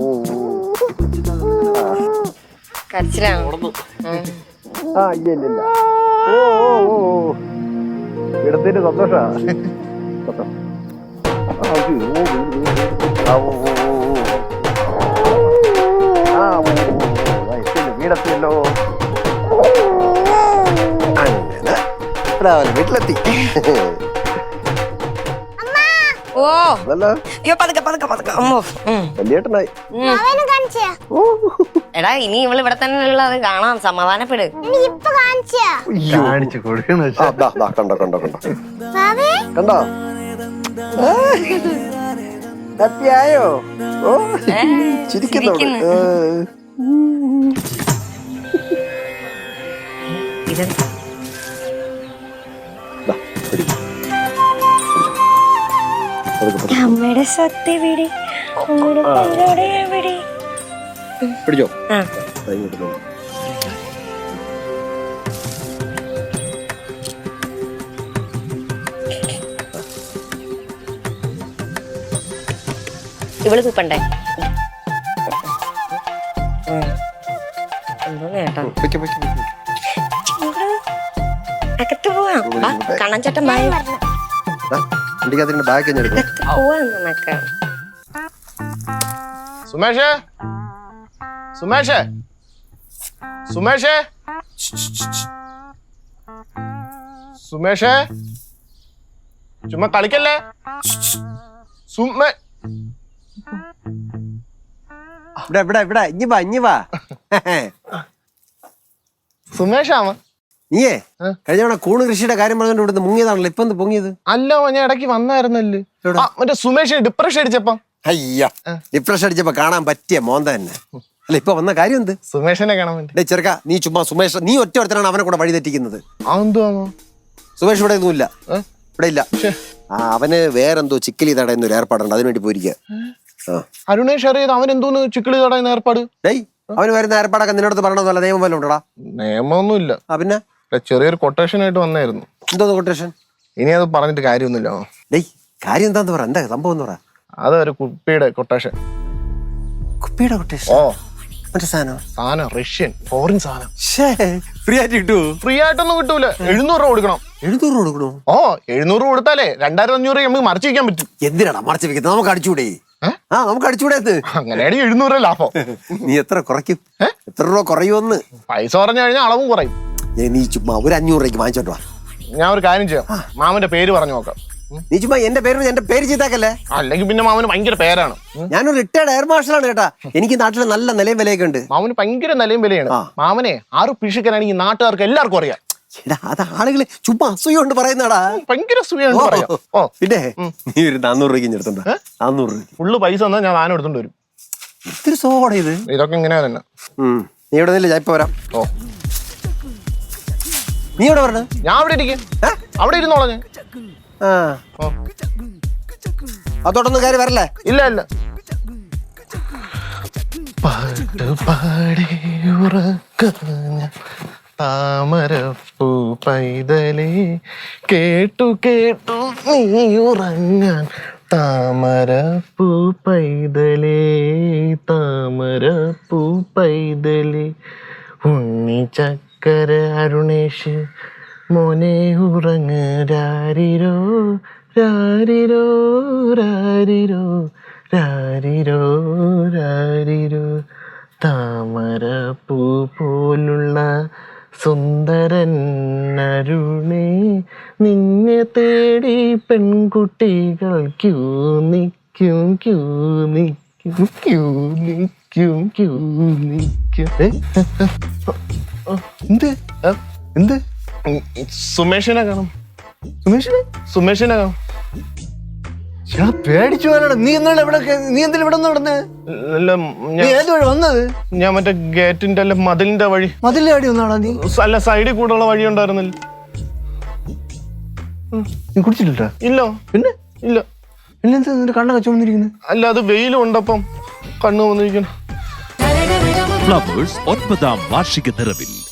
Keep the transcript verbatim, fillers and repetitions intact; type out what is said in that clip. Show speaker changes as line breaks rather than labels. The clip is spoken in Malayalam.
കരച്ചിലാണോ?
ആ ഇല്ല ഇല്ല ഇല്ല. ഓ ഓ ഓ ഇടത്തിന്റെ സന്തോഷാ. വീടെത്തിയല്ലോ. അങ്ങനെ രാവിലെ വീട്ടിലെത്തി.
ഓ പതുക്കെ പതുക്കെ പതുക്കെ.
വലിയേട്ടനായി.
എടാ ഇനി ഇവള് ഇവിടെ തന്നെ ഉള്ളത് കാണാം. സമാധാനപ്പെട്.
കാണിച്ചു കൊടുക്കണോ? കണ്ടോ കണ്ടോ കണ്ടോ കണ്ടോ? ഹാപ്പിയായോ? ഓ ചിരിക്കുന്നു.
അമ്മയുടെ സ്വത്ത് എവിടെ?
പിടിച്ചോ.
ഇവള് തുപ്പണ്ടേ? എന്തോ നേട്ടാ. അകത്ത് പോവാം. കണ്ണൻചേട്ടൻ ബാഗ് പോവാന്നൊക്കെ.
സുമേഷേ സുമേഷേ സുമേഷേ സുമേഷേ ചുമ്മാ കളിക്കല്ലേ. സുമേ
ഇവിടെ ഇവിടെ ഇവിടെ ഇഞ്ഞി വാ ഇഞ്ഞി വാ.
സുമേഷാമ
നീയേ കഴിഞ്ഞ തവണ കൂണ് കൃഷിയുടെ കാര്യം പറഞ്ഞോണ്ട് ഇവിടുന്ന് മുങ്ങിയതാണല്ലോ. ഇപ്പൊ എന്ത് പൊങ്ങിയത്?
അല്ലോ ഞാൻ ഇടയ്ക്ക് വന്നായിരുന്നല്ലേ മറ്റേ സുമേഷ് ഡിപ്രഷൻ അടിച്ചപ്പം.
അയ്യ ഡിപ്രഷൻ അടിച്ചപ്പോ കാണാൻ പറ്റിയ മോന്ത തന്നെ അല്ല. ഇപ്പൊ വന്ന കാര്യം എന്ത്?
സുമേഷിനെ കാണാൻ വേണ്ടി.
ചെറുക്ക നീ ചുമ്മാ സുമേഷ് നീ ഒറ്റ ഒരുത്തനാണ് അവനെ കൂടെ വഴി തെറ്റിക്കുന്നത്.
അതെന്തുവാണോ?
സുമേഷ് ഇവിടെ ഒന്നും ഇല്ല. ഇവിടെ ഇല്ല. ആ അവന് വേറെന്തോ ചിക്കലി തടയുന്ന ഏർപ്പാടുണ്ട്. അതിനുവേണ്ടി പോയിരിക്കുക.
അരുണേഷ് അറിയാതെ അവൻ എന്തോന്ന് ചിക്കിളി തടയുന്ന ഏർപ്പാട്?
ഡേയ് അവന് വരുന്ന ഏർപ്പാടൊക്കെ നിന്നോട് പറയണമെന്നല്ല നിയമം വല്ല ഉണ്ടോടാ?
നിയമമൊന്നും ഇല്ല.
പിന്നെ
ചെറിയൊരു കൊട്ടേഷൻ ആയിട്ട് വന്നായിരുന്നു.
എന്തോ കൊട്ടേഷൻ?
ഇനി അത് പറഞ്ഞിട്ട് കാര്യമൊന്നുമില്ല.
ഡേയ് കാര്യം എന്താന്ന് പറ. എന്താ സംഭവം എന്ന് പറ.
അതൊരു കുപ്പിയുടെ കൊട്ടേഷൻ.
കുപ്പിയുടെ കൊട്ടേഷൻ? ഓ മറ്റേ സാധനം
സാധനം റഷ്യൻ ഫോറിൻ സാധനം.
ഫ്രീ ആയിട്ട് കിട്ടുമോ?
ഫ്രീ ആയിട്ടൊന്നും കിട്ടൂല. എഴുന്നൂറ് രൂപ കൊടുക്കണം.
എഴുന്നൂറ് രൂപ കൊടുക്കണോ? ഓ
എഴുന്നൂറ് രൂപ കൊടുത്താലേ രണ്ടായിരത്തി അഞ്ഞൂറ് നമുക്ക് മറച്ചു വെക്കാൻ പറ്റും.
എന്തിനാണ് മറച്ചു വെക്കുന്നത്? നമുക്ക് അടിച്ചുകൂടെ? ആ നമുക്ക് അടിച്ചുകൂടെ?
അങ്ങനെയാണ് എഴുന്നൂറ് ലാഭം.
നീ എത്ര കുറയ്ക്കും? എത്ര രൂപ കുറയുമെന്ന്?
പൈസ പറഞ്ഞു കഴിഞ്ഞാൽ അളവും കുറയും.
നീ ചുമ്മാ ഒരു അഞ്ഞൂറ് രൂപയ്ക്ക് വാങ്ങിച്ചോട്ട് വാ.
ഞാൻ ഒരു കാര്യം ചെയ്യാം. മാമന്റെ പേര് പറഞ്ഞു നോക്കാം.
നീ ചുമ്മാ എന്റെ പേര് എന്റെ പേര് ചെയ്താക്കല്ലേ.
അല്ലെങ്കിൽ പിന്നെ മാമന് ഭയങ്കര പേരാണ്.
ഞാനൊരു റിട്ടയർഡ് എയർ മാർഷലാണ് കേട്ടാ. എനിക്ക് നാട്ടിൽ നല്ല നിലയും വിലയൊക്കെ ഉണ്ട്.
മാമന് ഭയങ്കര നിലയും വിലയാണ്. മാമനെ ആറ് പിഷിക്കാനാണെങ്കിൽ നാട്ടുകാർക്ക് എല്ലാവർക്കും അറിയാം.
അത് ആളുകള് ചുമ്മാ അസൂയ കൊണ്ട് പറയുന്നടാ.
ഭയങ്കര അസൂയാണ്.
പിന്നെ നീ ഒരു നാന്നൂറ് രൂപയ്ക്ക് എടുത്തുണ്ടോ? നാന്നൂറ് രൂപ
ഫുള്ള് പൈസ തന്നാ ഞാൻ സാധനം എടുത്തോണ്ട് വരും.
ഇത്തിരി സോഡ ഇത്.
ഇതൊക്കെ ഇങ്ങനെ തന്നെ.
നീ ഇവിടെ നിന്നില്ല, ഞാൻ ഇപ്പൊ വരാം. ഓ നീ എവിടെ പറഞ്ഞ?
ഞാൻ അവിടെ ഇരിക്കും. അവിടെ ഇരുന്നോളാം ഞാൻ.
അതോടൊന്നും കാര്യം വരല്ലേ?
ഇല്ല ഇല്ല. പാട്ട് പാടി ഉറക്കഞ്ഞ താമരപ്പൂ പൈതലേ കേട്ടു കേട്ടു നീ ഉറങ്ങാൻ താമരപ്പൂ പൈതലേ താമരപ്പൂ പൈതലേ ഉണ്ണി ചക്കര അരുണേഷ് മോനെ ഉറങ്ങ് രാരിരോ രാരിരോ രാരിരോ രാരിരോ രാരിരോ താമരപ്പൂ പോലുള്ള സുന്ദരൻ അരുണേ നിന്നെ തേടി പെൺകുട്ടികൾ ക്യൂ നിൽക്കും ക്യൂ നിൽക്കും ക്യൂ നിൽക്കും ക്യൂ നിൽക്കും. എന്ത് എന്ത്? സുമേഷിനെ കാണും. സുമേഷിനെ സുമേഷിനെ കാണും.
പേടിച്ചു പോകാനാണ്. നീ എന്താണ് ഇവിടെ? നീ എന്തിനാ ഇവിടെ നടന്നേ? ഏത് വഴി വന്നത്?
ഞാൻ മറ്റേ ഗേറ്റിന്റെ അല്ല മതിലിന്റെ വഴി.
മതിലിന്റെ വഴി വന്നാണോ നീ?
അല്ല സൈഡിൽ കൂടെയുള്ള വഴി ഉണ്ടായിരുന്നില്ല.
നീ കുടിച്ചിട്ടില്ല?
ഇല്ല.
പിന്നെ
ഇല്ല.
പിന്നെന്താ നിന്റെ കണ്ണൊക്കെ ചുമന്നിരിക്കുന്നത്?
അല്ല അത് വെയിലും ഉണ്ടപ്പം കണ്ണു വന്നിരിക്കണം.
ഫ്ലവേഴ്സ് ഒൻപതാം വാർഷിക നിറവിൽ